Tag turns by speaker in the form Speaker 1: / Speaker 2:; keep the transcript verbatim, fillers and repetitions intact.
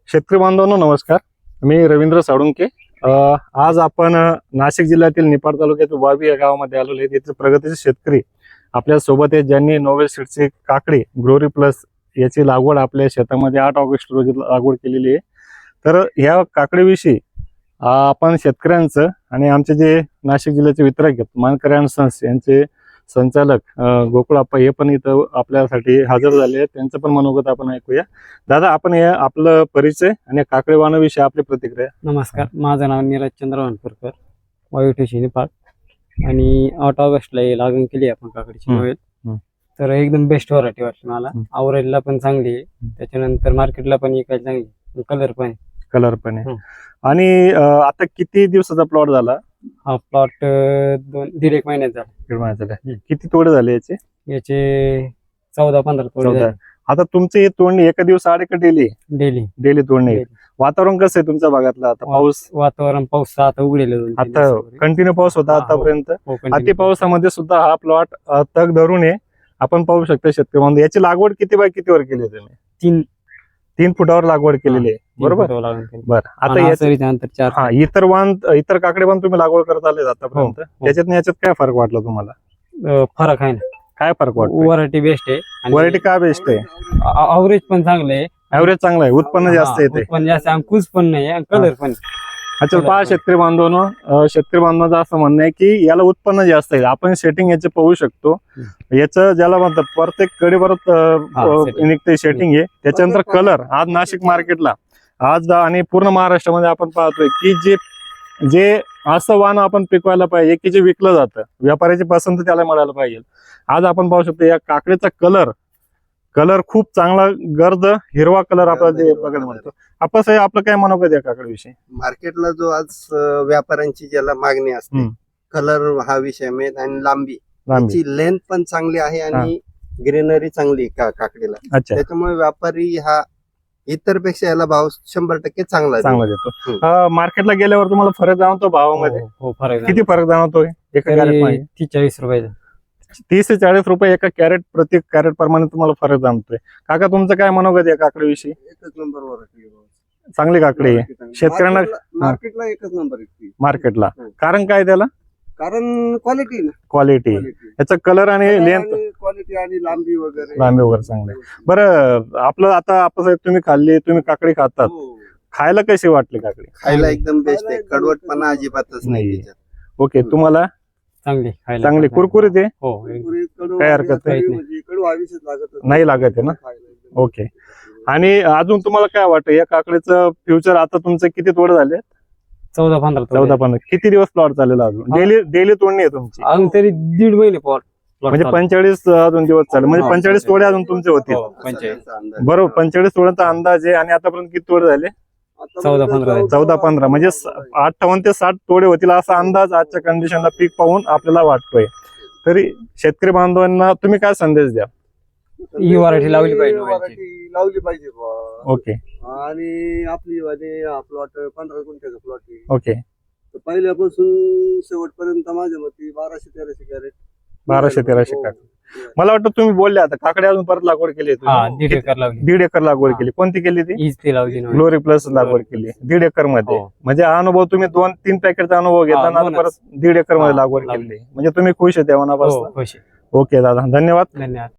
Speaker 1: शेतकरी बांधवांनो नमस्कार. मी रवींद्र साळुंके. आज आपण नाशिक जिल्ह्यातील निफाड तालुक्यातील वावी या गावामध्ये आलेलो आहे. तिथे प्रगतीचे शेतकरी आपल्या सोबत आहेत, ज्यांनी नोवेल सीड्सची काकडी ग्लोरी प्लस याची लागवड आपल्या शेतामध्ये आठ ऑगस्ट रोजी लागवड केलेली आहे. तर ह्या काकडीविषयी आपण शेतकऱ्यांचं आणि आमचे जे नाशिक जिल्ह्याचे वितरक आहेत मानकरी अँड सन्स यांचे संचालक गोकुळाप्पा हे पण इथं आपल्यासाठी हजर झाले आहेत. त्यांचं पण मनोगत आपण ऐकूया. दादा, आपण हे आपलं परिचय आणि काकडी वाणाविषयी आपली प्रतिक्रिया.
Speaker 2: नमस्कार, माझं नाव नीरज चंद्र वानपूरकर, वावी ठेशी निफाड. आणि आठ ऑगस्टला हे लागण केली आपण काकडीची नोवेल. तर एकदम बेस्ट व्हरायटी वाटली मला. आवरेजला पण चांगली आहे, त्याच्यानंतर मार्केटला पण विकायला चांगली, कलर पण
Speaker 1: कलर पण आहे. आणि आता किती दिवसाचा प्लॉट झाला?
Speaker 2: हा प्लॉट दोन दीड एक महिन्यात झाला.
Speaker 1: दीड महिन्यात झाला. किती तोडे झाले याचे?
Speaker 2: याचे चौदा पंधरा तोडे झाले.
Speaker 1: आता तुमची तोडणी एका दिवस आड का डेली?
Speaker 2: डेली
Speaker 1: डेली तोडणी. वातावरण कसं आहे तुमच्या भागातलं आता? पाऊस
Speaker 2: वातावरण पाऊस आता उघडेल,
Speaker 1: आता कंटिन्यू पाऊस होता आतापर्यंत. अति पावसामध्ये सुद्धा हा प्लॉट तग धरून आहे. आपण पाहू शकता शेतकरी बांधव. याची लागवड किती बाय कितीवर केली तुम्ही?
Speaker 2: तीन
Speaker 1: तीन फुटावर लागवड केलेली आहे, बरोबर? बरं. आता
Speaker 2: याच्यानंतर
Speaker 1: हा इतर वाण इतर काकडे पण तुम्ही लागवड करत आले आतापर्यंत. त्याच्यात याच्यात काय फरक वाटला तुम्हाला?
Speaker 2: फरक आहे ना.
Speaker 1: काय फरक वाटतो?
Speaker 2: व्हरायटी बेस्ट आहे.
Speaker 1: व्हरायटी का बेस्ट आहे?
Speaker 2: अवरेज पण चांगलं आहे.
Speaker 1: ऍव्हरेज चांगला आहे, उत्पन्न जास्त येते.
Speaker 2: उत्पन्न जास्त, अंकुश पण नाही, कलर पण.
Speaker 1: अच्छा, पहा शेतकरी बांधवांनो, शेतकरी बांधवांचं असं म्हणणं आहे की याला उत्पन्न जास्त आहे. आपण सेटिंग याचे पाहू शकतो. याचं ज्याला म्हणतात प्रत्येक कडे परत निघते सेटिंग आहे. त्याच्यानंतर कलर आज नाशिक मार्केटला आज आणि पूर्ण महाराष्ट्रामध्ये आपण पाहतोय की जे जे असं वाण आपण पिकवायला पाहिजे की जे विकलं जातं, व्यापाऱ्याची पसंत त्याला मिळायला पाहिजे. आज आपण पाहू शकतो या काकडीचा कलर कलर खूप चांगला, गर्द हिरवा कलर आपल्याला जे बघायला मिळतो. आपण साहेब आपलं काय मनोगत या काकडीविषयी?
Speaker 3: मार्केटला जो आज व्यापाऱ्यांची ज्याला मागणी असते, कलर हा विषय मेन, आणि लांबी त्याची लेंथ पण चांगली आहे आणि ग्रीनरी चांगली का काकडीला. त्याच्यामुळे व्यापारी हा इतर पेक्षा याला भाव शंभर टक्के चांगला
Speaker 1: चांगला देतो. मार्केटला गेल्यावर तुम्हाला फरक जाणवतो भावामध्ये?
Speaker 2: हो, फरक.
Speaker 1: किती फरक जाणवतोय? एका कॅरेट
Speaker 2: तीस चाळीस रुपये
Speaker 1: तीस ते चाळीस रुपये एका कॅरेट प्रति कॅरेट प्रमाणे तुम्हाला फरक जाणतोय. काका, तुमचं काय मनोगत या काकडीविषयी?
Speaker 3: एकच नंबर व्हरायटी,
Speaker 1: चांगली काकडी आहे. शेतकऱ्यांना
Speaker 3: मार्केटला एकच नंबर
Speaker 1: मार्केटला. कारण काय त्याला?
Speaker 3: कारण क्वालिटी ना,
Speaker 1: क्वालिटी याचा कलर आणि लेंथ,
Speaker 3: क्वालिटी आणि लांबी वगैरे
Speaker 1: लांबी वगैरे चांगली. बरं, आपलं आता आपण तुम्ही खाल्ली, तुम्ही काकडी खातात, खायला कशी वाटली काकडी?
Speaker 3: खायला एकदम बेस्ट आहे. कडवटपणा अजिबातच नाही.
Speaker 1: ओके, तुम्हाला
Speaker 2: चांगली
Speaker 1: चांगली कुरकुरीत आहे?
Speaker 2: हो,
Speaker 1: काय हरकत नाही, नाही लागत आहे ना. ओके. आणि अजून तुम्हाला काय वाटतं या काकडीचं फ्युचर? आता तुमचं किती तोड झाले?
Speaker 2: चौदा पंधरा
Speaker 1: चौदा पंधरा किती दिवस प्लॉट चालेल अजून? डेली डेली तोडणी आहे तुमची?
Speaker 2: अजून तरी दीड महिने प्लॉट,
Speaker 1: म्हणजे पंचेचाळीस अजून दिवस चालेल. म्हणजे पंचेचाळीस तोडे अजून तुमचे होतील, बरोबर? पंचेचाळीस तोड्यांचा अंदाज आहे. आणि आतापर्यंत किती तोडे झाले?
Speaker 2: चौदा पंधरा
Speaker 1: चौदा पंधरा म्हणजे अठ्ठावन्न ते साठ तोडे होतील असा अंदाज आजच्या कंडिशनला पीक पाहून आपल्याला वाटतोय. तरी शेतकरी बांधवांना तुम्ही काय संदेश द्या?
Speaker 2: ही व्हरायटी लावली पाहिजे,
Speaker 3: लावली पाहिजे.
Speaker 1: ओके.
Speaker 3: आणि आपली प्लॉट पंधरा गुंठ्याचा प्लॉट आहे.
Speaker 1: ओके.
Speaker 3: पहिल्यापासून शेवटपर्यंत माझ्या मते बाराशे तेराशे कॅरेट
Speaker 1: बाराशे तेराशे काकडी. मला वाटतं तुम्ही बोलले आता काकडे अजून परत लागवड केली?
Speaker 2: दीड एकर लावली.
Speaker 1: दीड एकर लागवड केली. कोणती केली ती?
Speaker 2: हीच लावली,
Speaker 1: ग्लोरी प्लस लागवड केली दीड एकर मध्ये. म्हणजे हा अनुभव तुम्ही दोन तीन पॅकेटचा अनुभव घेताना परत दीड एकर मध्ये लागवड केली. म्हणजे तुम्ही खुश आहे त्या मनापासून?
Speaker 2: खुश.
Speaker 1: ओके दादा, धन्यवाद.
Speaker 2: धन्यवाद.